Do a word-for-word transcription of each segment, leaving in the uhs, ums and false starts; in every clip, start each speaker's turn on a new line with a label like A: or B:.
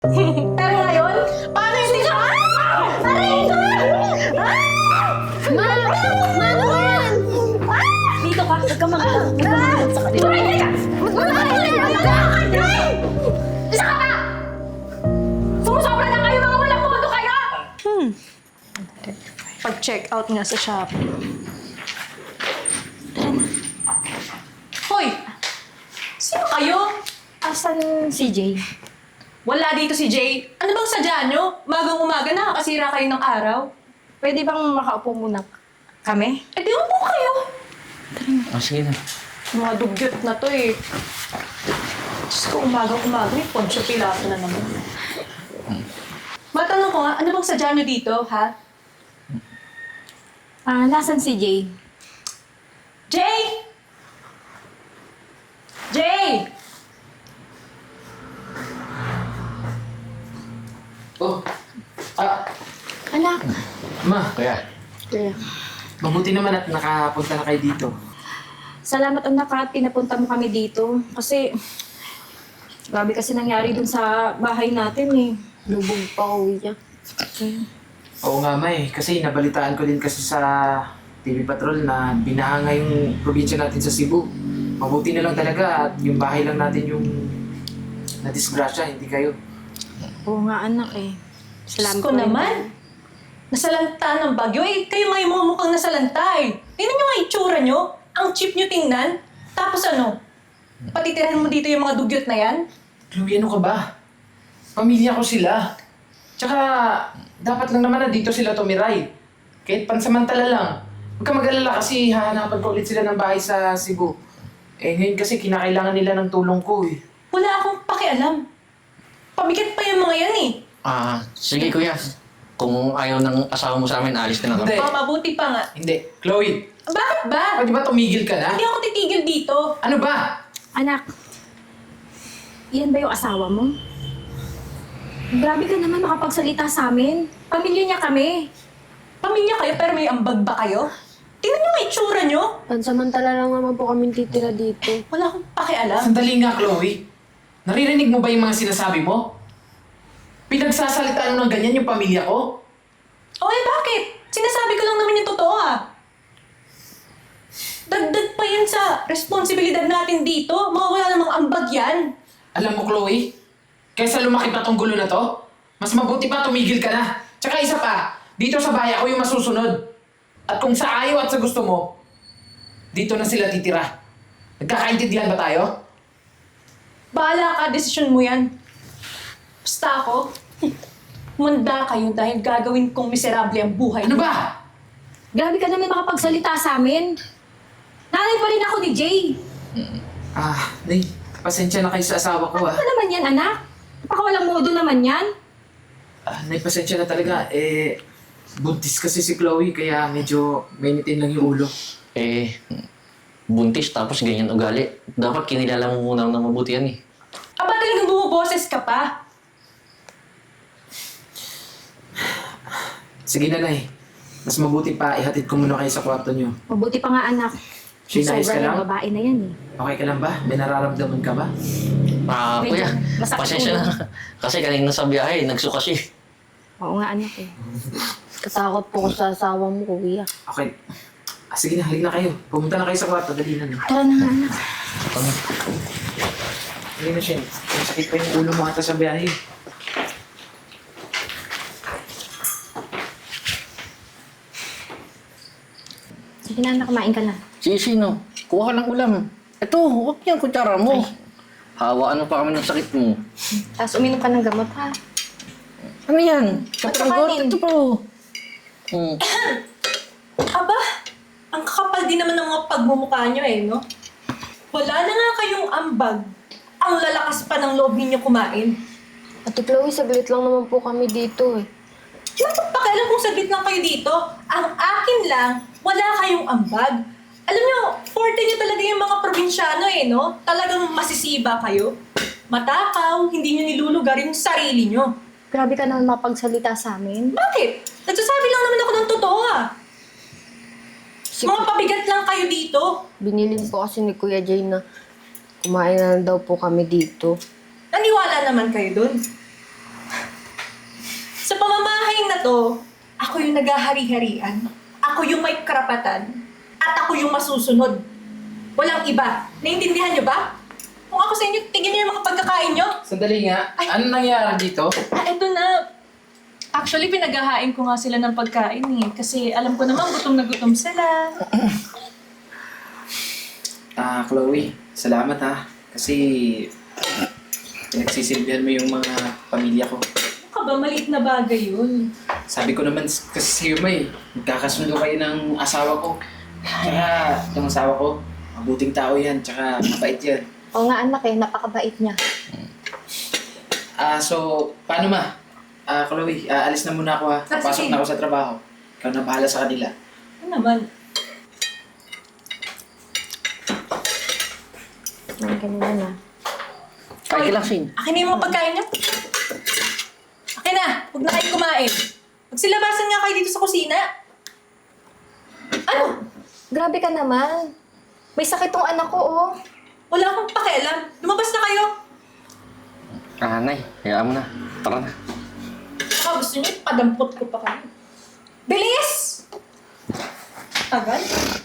A: Pero ngayon, paano yung tita? Ah! Aray ko! Ah!
B: Ma! Ma naman!
A: Dito ka, huwag ka mag-alala.
B: Ah!
A: Sa kanila.
B: Tumigil ka! Tumigil ka!
A: Isa ka pa! Sumusobra na kayo, mga walang mundo kayo! Hmm. Pag-check out nga sa Shopee. Hoy! Sino kayo?
B: Asan si Jay?
A: Wala dito si Jay. Ano bang sadya nyo? Magang umaga nakakasira kayo ng araw.
B: Pwede bang makaupo muna kami?
A: Eh di upo kayo.
C: Ah, sige na.
A: Mga dugyot na to eh. Diyos ko, umagang-umaga eh. Poncho Pilato na naman. Matanong ko nga, ano bang sadya nyo dito, ha?
B: Ah, nasan si Jay?
A: Jay! Jay!
C: Oh, ah,
B: Anak.
C: ma, kaya.
B: Kaya.
C: Mabuti naman at nakapunta na kayo dito.
B: Salamat anak at pinapunta mo kami dito. Kasi, grabe kasi nangyari dun sa bahay natin eh. Lubog pa uwi niya. Okay.
C: Oo nga, ma eh. Kasi nabalitaan ko din kasi sa T V Patrol na binahanga yung probinsya natin sa Cebu. Mabuti na lang talaga at yung bahay lang natin yung nadisgrasya, hindi kayo.
B: Oo nga anak eh.
A: Diyos
B: Salamat
A: ko naman. Nasalanta ng bagyo. Eh, kayo nga yung mukhang nasalanta eh. Tingnan nyo nga yung itsura nyo. Ang cheap nyo tingnan. Tapos ano? Patitirahan mo dito yung mga dugyot na yan?
C: Chloe, ano ka ba? Pamilya ko sila. Tsaka, dapat lang naman na dito sila tumiray. Kahit pansamantala lang. Huwag ka mag-alala kasi hahanapan ko ulit sila ng bahay sa Cebu. Eh, ngayon kasi kinakailangan nila ng tulong ko eh.
A: Wala akong pakialam. Pabigat pa yung mga yan eh.
D: Ah, sige kuya. Kung ayaw ng asawa mo sa amin, alis na lang kami.
C: Hindi.
A: Mga mabuti pa nga.
C: Hindi. Chloe,
A: Bakit ba?
C: pwede ba tumigil ka na?
A: Hindi ako titigil dito.
C: Ano ba?
B: Anak, iyan ba yung asawa mo? Grabe ka naman makapagsalita sa amin. Pamilya niya kami.
A: Pamilya kayo pero may ambag ba kayo? Tingnan nyo nga itsura nyo.
E: Pansamantala lang naman po kami titira dito.
A: Wala akong pakialam.
C: Sandali nga, Chloe. Naririnig mo ba yung mga sinasabi mo? Pinagsasalitaan mo ng ganyan yung pamilya ko?
A: O eh bakit? Sinasabi ko lang naman yung totoo ah. Dagdag pa yan sa responsibilidad natin dito. Mga wala namang ambag yan.
C: Alam mo, Chloe, kaysa lumaki pa tong gulo na to, mas mabuti pa tumigil ka na. Tsaka isa pa, dito sa bahay ako yung masusunod. At kung sa ayaw at sa gusto mo, dito na sila titira. Nagkakaintindihan ba tayo?
A: Bahala ka, desisyon mo yan. Basta ako, manda kayo dahil gagawin kong miserable ang buhay.
C: Ano ba?
B: Grabe ka naman makapagsalita sa amin. Nanay pa rin ako ni Jay.
C: Ah, Nay, pasensya na kayo sa asawa ko ah.
B: Ano naman yan, anak? Napakawalang modo naman yan.
C: Ah, Nay, pasensya na talaga. Eh, buntis kasi si Chloe, kaya medyo mainitin lang yung ulo.
D: Eh, buntis tapos ganyan ugali. Dapat kinilala mo muna ng mabuti yan eh.
A: Aba talagang bumuboses ka pa.
C: Sige na, Nay. Mas mabuti pa, ihatid ko muna kayo sa kwarto niyo.
B: Mabuti pa nga, anak.
C: Sinayos ka
B: Sobra
C: lang?
B: yung babae na yan eh.
C: Okay ka lang ba? May nararamdaman ka ba?
D: Ah,
B: Medyo
D: kuya,
B: masakit
D: pasensya
B: ulo.
D: na. Kasi kanina sa biyahe, nagsuka siya.
B: Oo nga, anak eh.
E: Katakot po ko sa asawa mo, kuya.
C: Okay. Ah, sige na, halika na kayo. Pumunta na kayo sa kwarto, dali na.
B: Tara na nga, anak.
C: Halika na, Shen. Masakit pa yung ulo mo ata sa biyahe.
B: Sige na, anak, kumain ka na.
D: Si sino? Kuha ka ng ulam. Ito, huwag yan kutsara mo. Hawaan mo pa kami ng sakit mo.
B: Tapos uminom ka ng gamot, ha?
D: Ano yan? Kapranggot?
B: kanin.
D: Ito pa oh. Hmm.
A: Aba, ang kakapal din naman ng mga pagmumukha nyo eh, no? Wala na nga kayong ambag. Ang lalakas pa ng loob ninyo kumain.
E: Ate Chloe, saglit lang naman po kami dito eh.
A: Bakit pakialam kung saglit lang kayo dito? Ang akin lang, wala kayong ambag. Alam nyo, forte nyo talaga yung mga probinsyano eh, no? Talagang masisiba kayo. Matakaw, hindi nyo nilulugar yung sarili nyo.
B: Grabe ka naman mapagsalita sa amin.
A: Bakit? Nagsasabi lang naman ako ng totoo ah.
E: Si
A: Mga pabigat lang kayo dito.
E: Binilin po kasi ni Kuya Jay na kumain na daw po kami dito.
A: Naniwala naman kayo dun. na to, ako yung naghahari-harian. Ako yung may karapatan. At ako yung masusunod. Walang iba. Naiintindihan niyo ba? Kung ako sa inyo, tignan niyo yung mga pagkakain niyo.
C: Sandali nga. Ano nangyari dito?
A: Ah, eto na. Actually, pinaghahain ko nga sila ng pagkain eh. Kasi alam ko naman, gutom na gutom sila.
C: Ah, Chloe, salamat ha. Kasi pinagsisilbihan mo yung mga pamilya ko.
A: Ano ka ba? Maliit na bagay yun.
C: Sabi ko naman s- kasi sa'yo, May, magkakasundo kayo ng asawa ko. Tsaka, yung asawa ko, mabuting tao yan, tsaka mabait yan.
E: Oo nga anak eh, napakabait niya.
C: Ah, so, paano ma? Ah, Chloe, ah, alis na muna ako ha.
A: Ah,
C: Pasok
A: sige.
C: na ako sa trabaho. Ikaw na bahala sa kanila.
A: Ano naman?
E: Ang ganun na.
D: Kain ka lang, Shin.
A: Akin na yung mga pagkain niyo. Akin na! Huwag na kayo kumain. Magsilabasan nga kayo dito sa kusina. Ano?
E: Grabe ka naman. May sakit tong anak ko, oh.
A: Wala akong pakialam. Lumabas na kayo.
D: Ah, Nay, hayaan mo na. Tara na.
A: Baka gusto niyo, padampot ko pa kayo. Bilis! Tagal.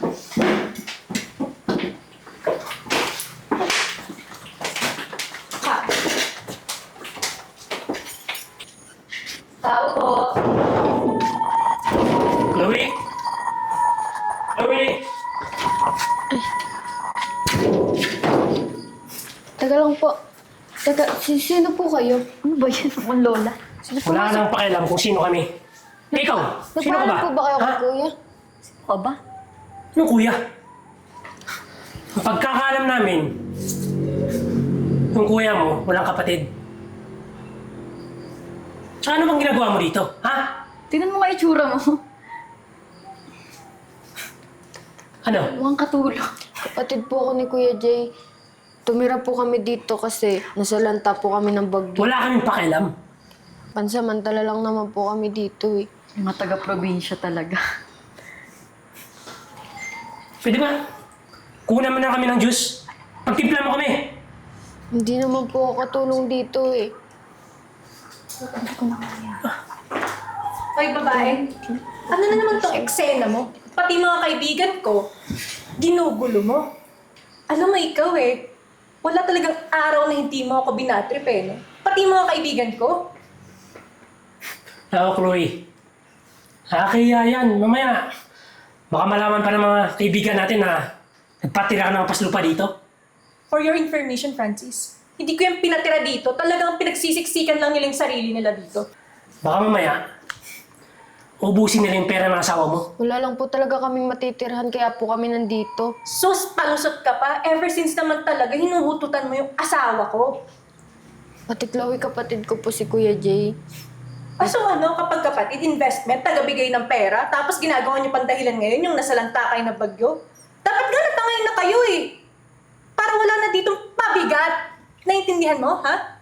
A: Ha. Tao po.
F: Chloe? Chloe?
E: Taga lang po. Taga, si- sino po kayo? Ano ba yan? Ang lola. Sino po?
F: Wala nang pakialam kung sino kami. Eh, ikaw, sino ka ba?
E: Nagpaalam po ba kayo kay
F: Ha?
E: kuya? Sino ka ba?
F: Anong kuya? Ang pagkakaalam namin, yung kuya mo, walang kapatid. Tsaka ano bang ginagawa mo dito, ha?
B: Tingnan mo nga itsura mo.
F: Ano?
B: Mukhang katulog.
E: Kapatid po ako ni Kuya Jay. Tumira po kami dito kasi nasalanta po kami ng bagyo.
F: Wala kaming pakialam.
E: Pansamantala lang naman po kami dito eh.
B: Mga taga-probinsya talaga.
F: Pwede ba? Kunan mo na kami ng juice. Pagtimpla mo kami.
E: Hindi naman po ako katulong dito eh.
A: Hoy, babae. Ano na naman tong eksena mo? Pati mga kaibigan ko, ginugulo mo. Alam mo ikaw eh, wala talagang araw na hindi mo ako binatrip eh, no? Pati mga kaibigan ko.
F: Ako, Chloe. Nakakaya yan. Mamaya, baka malaman pa ng mga kaibigan natin na nagpatira ka ng paslupa dito.
A: For your information, Francis, hindi ko yung pinatira dito. Talagang pinagsisiksikan lang nila yung sarili nila dito.
F: Baka mamaya, ubusin nila yung pera ng asawa mo.
E: Wala lang po talaga kaming matitirhan kaya po kami nandito.
A: Sus, palusot ka pa. Ever since naman talaga, hinuhututan mo yung asawa ko.
E: Pati Chloe, kapatid ko po si Kuya Jay.
A: Ah, so ano, kapag kapatid, investment, tagabigay ng pera, tapos ginagawa niyo pang dahilan ngayon yung nasalanta kayo ng bagyo? Dapat nga natangayin na kayo eh. Para wala na ditong pabigat. Naintindihan mo, ha?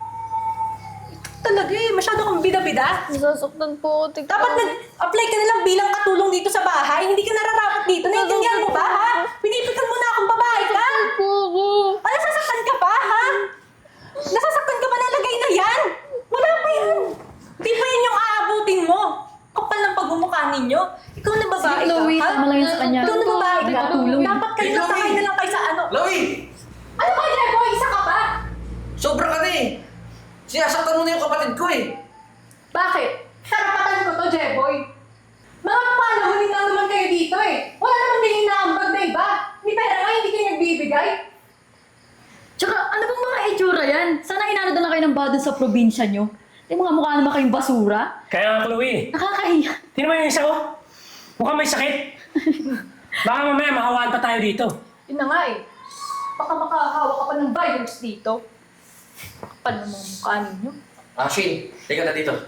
A: Ito talaga eh, masyado kang bida-bida.
E: Nasasaktan po ako, tignan.
A: Dapat nag-apply ka na lang bilang katulong dito sa bahay, hindi ka nararapat dito. Naintindihan mo ba, ha? Pinipitan mo na akong babae ka.
E: po ako.
A: Ah, nasasaktan ka pa, ha? Nasasaktan ka pa na lagay na yan? Wala pa yan. Di pa yan yung aabutin mo. Kapal ng pagmumukha ninyo. Ikaw na babae
B: Sige, Chloe,
A: ka, ha?
B: tama lang yan sa kanya.
A: Ikaw na babae ka.
B: Nagpatulong.
A: Dapat kayo
C: Hey, Chloe!
A: nakakay na lang kayo sa ano.
C: Chloe!
A: Ano ba, Jeboy? Isa ka ba?
C: Sobra ka na eh! Sinasaktan mo na yung kapatid ko eh!
A: Bakit? Karapatan ko to, Jeboy. Mga panahonin lang naman kayo dito eh. Wala naman din inaambag na iba. Ni pera nga, hindi kayo nagbibigay.
B: Tsaka, ano bang mga itsura yan? Sana inano na kayo ng bado sa probinsya nyo. Yung mga mukha naman kayong basura.
F: Kaya nga, Chloe,
B: Nakakahiya.
F: tingnan mo yung isa ko. Mukhang may sakit. Baka mamaya mahawaan pa tayo dito.
A: Yun na nga eh. Baka makahawa ka pa ng virus dito. Kapal ng mga mukha ninyo.
C: Ah, Shane, teka na dito.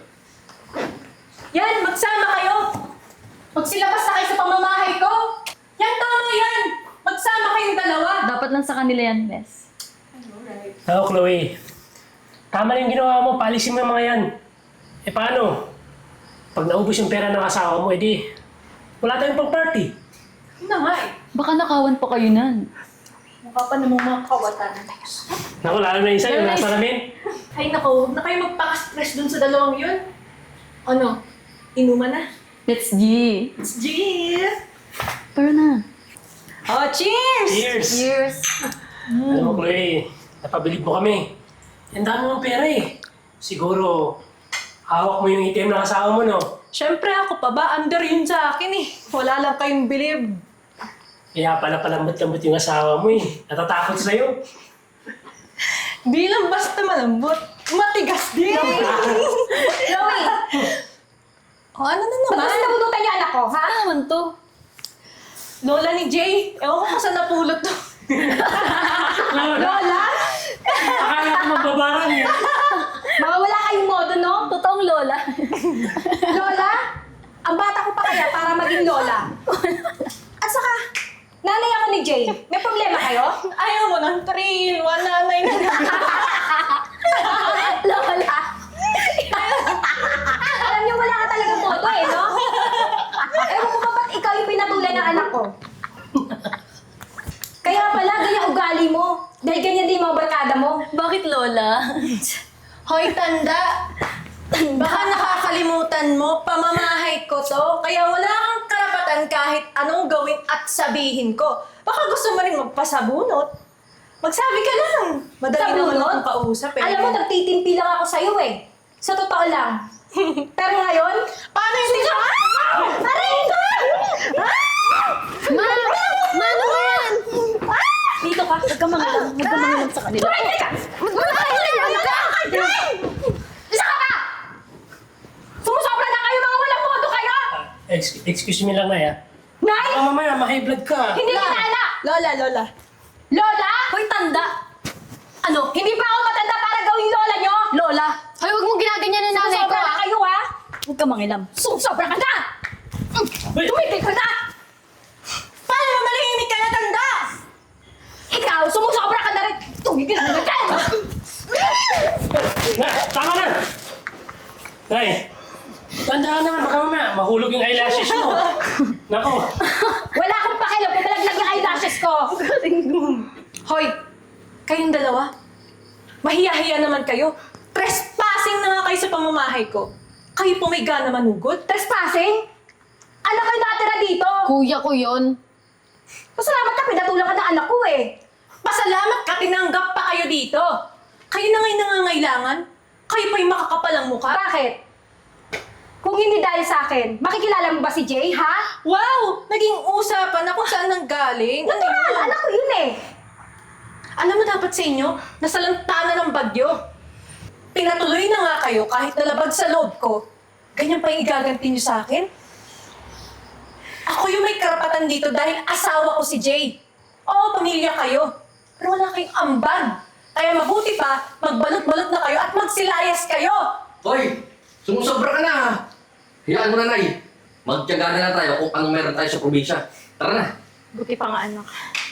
A: Yan, magsama kayo! Magsilabas na kayo sa pamamahay ko! Yan, tama yan! Magsama kayong dalawa!
B: Dapat lang sa kanila yan, Bes.
A: Alright.
F: Oo, Chloe. Tama na yung ginawa mo. Paalisin mo yung mga yan. Eh, paano? Pag naubos yung pera ng asawa mo, edi wala tayong pang-party.
A: Yun na nga eh.
B: Baka nakawan pa kayo nan.
A: Mukha pa namang mga kawatan.
F: Naku, lalo na yung sa'yo.
A: Nice.
F: Nasa namin.
A: Ay naku, huwag na kayo magpaka-stress dun sa dalawang yun. Ano? Inuman na.
B: Let's G.
A: It's G!
B: Tara na.
A: Oh, cheers!
F: Cheers!
E: Years.
F: Alam mo, Chloe, napabilib mo kami. Ang dami mong pera eh. Siguro, hawak mo yung A T M ng asawa mo, no?
A: Siyempre ako pa ba? Under yun sa akin eh. Wala lang kayong bilib.
F: Kaya pala palambot-lambot yung asawa mo eh. Natatakot sa'yo.
A: Di lang basta malambot. Matigas din!
B: Chloe!
A: O ano na
B: Ba't
A: naman?
B: mas nabunutan niya anak ko, ha? Naman to.
A: Lola ni Jay. Ewan ko kung saan napulot to.
B: Lola?
F: Akala ko magbabarang eh.
B: Mga wala kayong modo, no? Totoong Lola. Lola? Ang bata ko pa kaya para maging Lola. At saka, nanay ako ni Jay. May problema kayo?
A: Ayaw mo ng trail. One nanay na lang.
B: Lola! Alam niyo, wala ka talagang modo eh, no? Ewan ko ba ba't ikaw yung pinatulan ng anak ko? Kaya pala, ganyan ugali mo. Dahil ganyan din yung mga barkada mo. Bakit, Lola?
A: Hoy, tanda! Baka nakakalimutan mo, pamamahay ko to. Kaya wala kang karapatan kahit anong gawin at sabihin ko. Baka gusto mo rin magpasabunot. Magsabi ka lang. Madali naman
B: Sabunot?
A: akong kausap eh.
B: Alam mo, nagtitimpi lang ako sa'yo eh. Sa totoo lang. Pero ngayon,
A: Paano yung tingnan?
B: aray!
E: Ma! Ma, ano ba yan?
B: Dito ka, huwag ka mangalam. Huwag ka mangalam sa kanila. Turay ka!
E: Ano ka?
B: Isa ka ba? Sumusobra na kayo, mga walang modo kayo!
F: Ex- excuse me lang na ya.
B: Nay!
F: Baka mamaya, ma-high blood ka.
B: Hindi kita anak!
A: Lola, Lola.
B: Lola? Hoy, tanda! Ano? Hindi pa ako matanda para gawing lola nyo? Lola?
E: Hoy, huwag mong ginaganyan ng nanay ko,
B: Sumusobra na
E: ah.
B: kayo, ha? Huwag ka mangilam. Sumusobra ka na!
F: Uy!
B: Tumigil ka na!
A: Paano mo malihimik ka na, tanda?
B: Ikaw, sumusobra ka na rin! Tumigil ka na!
F: Na, tama na! Nay, tandaan naman, baka mamaya, mahulog yung eyelashes mo. Nako,
B: Wala akong pakialam kung malaglag yung eyelashes ko!
A: Hoy, kayong dalawa. Mahiya-hiya naman kayo. Trespassing na nga kayo sa pamamahay ko. Kayo po may gana manugod.
B: Trespassing? Ano kayo natira dito?
E: Kuya ko yun.
B: Pasalamat ka, pinatulang ka ng anak ko eh.
A: Pasalamat ka, tinanggap pa kayo dito. Kayo na ngayon nangangailangan. Kayo pa yung makakapalang mukha.
B: Bakit? Kung hindi dahil sa akin, makikilala mo ba si Jay, ha?
A: Wow! Naging usapan na kung saan nanggaling. Ano
B: Natural,
A: yun?
B: anak ko yun eh.
A: Alam mo dapat sa inyo, nasa lantana ng bagyo. Pinatuloy na nga kayo kahit nalabag sa loob ko. Ganyan pa yung igaganti niyo sa akin? Ako yung may karapatan dito dahil asawa ko si Jay. Oo, pamilya kayo. Pero wala kayong ambag. Kaya mabuti pa, magbalot-balot na kayo at magsilayas kayo.
G: Hoy! Sumusobra ka na ha! Hayaan mo na, Nay. Magtiyaga na lang tayo kung anong meron tayo sa probinsya. Tara na!
B: Buti pa nga anak.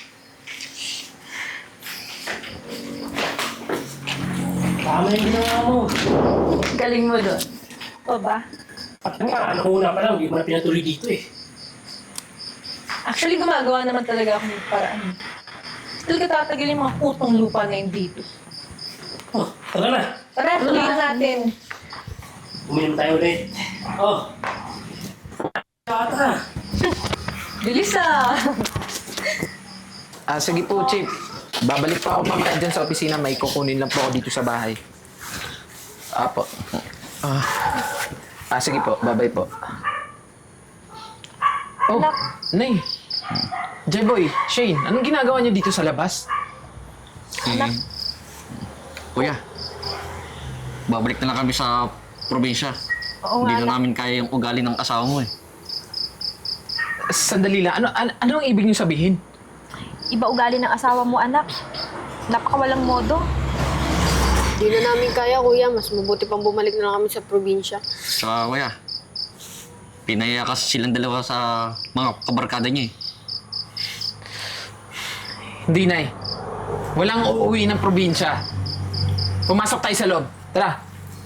F: tama yung ginawa mo.
B: Galing mo doon. O ba?
F: At nga, ano una pa lang, hindi mo na pinatuloy dito eh.
A: Actually, gumagawa naman talaga ako ng paraan. Still ka tatagal yung mga putong lupa na yun dito.
F: Oh, tara na.
A: Tara, tuloy na natin.
F: Uminom tayo ulit. Oh. Tata.
A: Bilis ah!
C: Ah, sige po, Chief. Babalik pa ako mamaya dyan sa opisina. May kukunin lang po ako dito sa bahay. Apo. Ah, ah sige po. Bye-bye po. Oh, Nay. J-Boy, Shane, anong ginagawa niyo dito sa labas?
G: Hmm. Kuya, babalik na lang kami sa probinsya.
B: Oo
G: Hindi na namin kaya yung ugali ng asawa mo eh.
C: Sandali lang. Ano, ano, ano ang ibig niyo sabihin?
B: Iba ugali ng asawa mo, anak. Napakawalang modo.
E: Di na namin kaya, kuya. Mas mabuti pang bumalik na lang kami sa probinsya.
G: Tsaka kuya, pinaya kasi silang dalawa sa mga kabarkada niya eh.
C: Hindi, Nay. Walang uuwi ng probinsya. Pumasok tayo sa loob. Tara.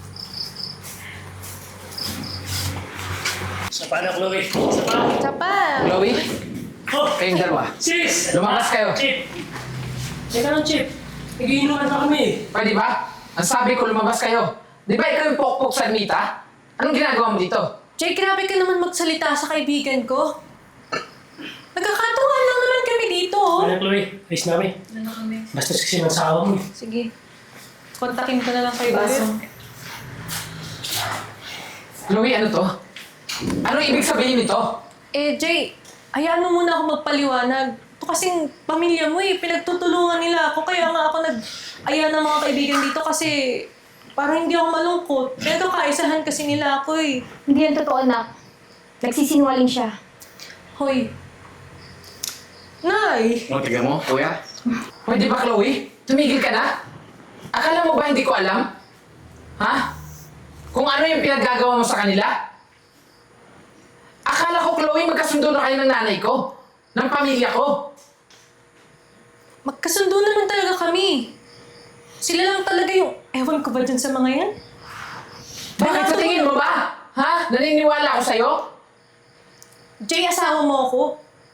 F: Sa pa na, Chloe. Sa pa.
A: Isa pa!
C: Chloe,
F: Oh,
C: kayong dalawa.
F: sis!
C: Lumakas kayo.
F: Chip. Teka lang, Chip. Nagiinuman pa kami.
C: Pwede ba? Ang sabi ko, lumabas kayo. Di ba ikaw yung pokpok sa Anita? Anong ginagawa mo dito?
A: Jay, grabe ka naman magsalita sa kaibigan ko. Nagkakatuwaan lang naman kami dito, oh.
F: Ano, Chloe? Ayos na kami.
A: Ano na kami?
F: Basta kasi ng asawa mo. eh.
A: Sige. Kontakin ko na lang kayo ulit.
C: Chloe, ano to? Ano ibig sabihin nito?
A: Eh, Jay, hayaan mo muna ako magpaliwanag. Ito kasing pamilya mo eh. Pinagtutulungan nila ako. Kaya nga ako nag-aya ng mga kaibigan dito kasi parang hindi ako malungkot. Pinagkakaisahan kasi nila ako eh.
B: Hindi yan totoo, anak. Nagsisinungaling siya.
A: Hoy. Nay!
G: O, tignan mo, kuya.
C: Pwede ba, Chloe? Tumigil ka na? Akala mo ba hindi ko alam? Ha? Kung ano yung pinaggagawa mo sa kanila? Akala ko, Chloe, magkasundo na kayo ng nanay ko. Ng pamilya ko.
A: Magkasundo naman talaga kami. Sila lang talaga yung... Ewan ko ba dyan sa mga yan?
C: Bakit sa tingin mo ba? Ha? Naniniwala ako sa'yo?
A: Jay, asawa mo ako.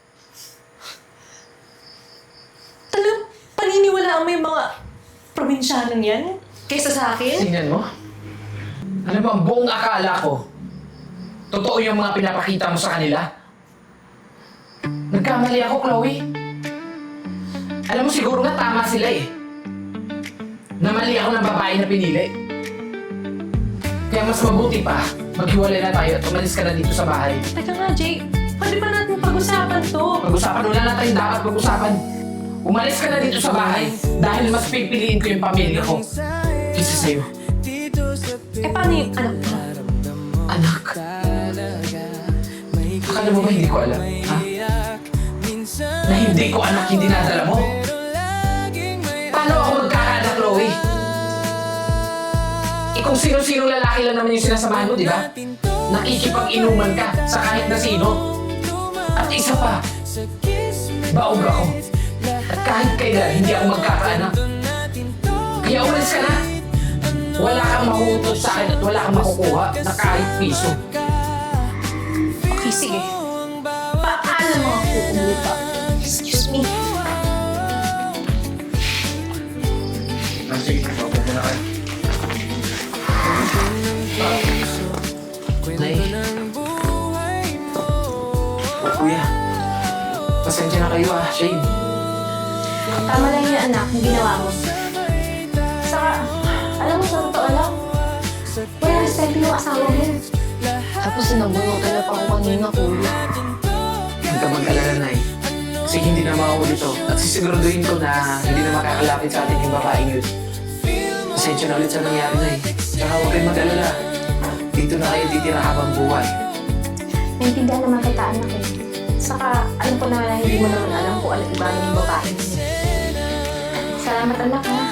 A: Talagang paniniwalaan mo yung mga probinsyanong yan? Kaysa sa akin?
C: Tingnan mo. Ano ba ang buong akala ko? Totoo yung mga pinapakita mo sa kanila? Nagkamali ako, Chloe. Alam mo, siguro nga tama sila eh. Namali ako ng babae na pinili. Kaya mas mabuti pa, maghiwalay na tayo at umalis ka na dito sa bahay.
A: Teka nga, Jay. Pwede ba natin pag-usapan to?
C: Pag-usapan, wala na tayong dapat pag-usapan. Umalis ka na dito sa bahay dahil mas pipiliin ko yung pamilya ko kaysa sa'yo.
A: Eh, paano yung anak mo?
C: Anak. Akala mo ba hindi ko alam, ha? Na hindi ko anak yung dinadala mo? Paano ako magkakaanak, Chloe? Eh kung sino-sino lalaki lang naman yung sinasamahan mo, di ba? Nakikipag-inuman ka sa kahit na sino. At isa pa, baog ako. At kahit kailan, hindi ako magkakaanak. Kaya umalis ka na. Wala kang mahutot sa akin at wala kang makukuha na kahit piso.
A: Okay, sige. Paalam mga kukong lupa. Excuse me.
G: Ah, sige, paupo muna kayo.
C: Nay. Kuya. Pasensya na kayo ah, Shane.
B: Tama lang yan, anak, yung ginawa mo. Saka, alam mo, sa totoo lang, wala respeto yung asawa mo.
E: Tapos sinabunutan na pa ako kanina, kuya.
C: Huwag ka mag-alala, Nay. Kasi hindi na mauuli to. At sisiguraduhin ko na hindi na makakalapit sa atin yung babaeng yun. Pasensya na ulit sa nangyari, Nay. Tsaka huwag kayong mag-alala. Dito na kayo titira habang buhay.
B: Naintindihan naman kita, anak eh. Saka, alam ko naman na hindi mo naman alam kung ano iba yung babae mo. Salamat, anak, ha?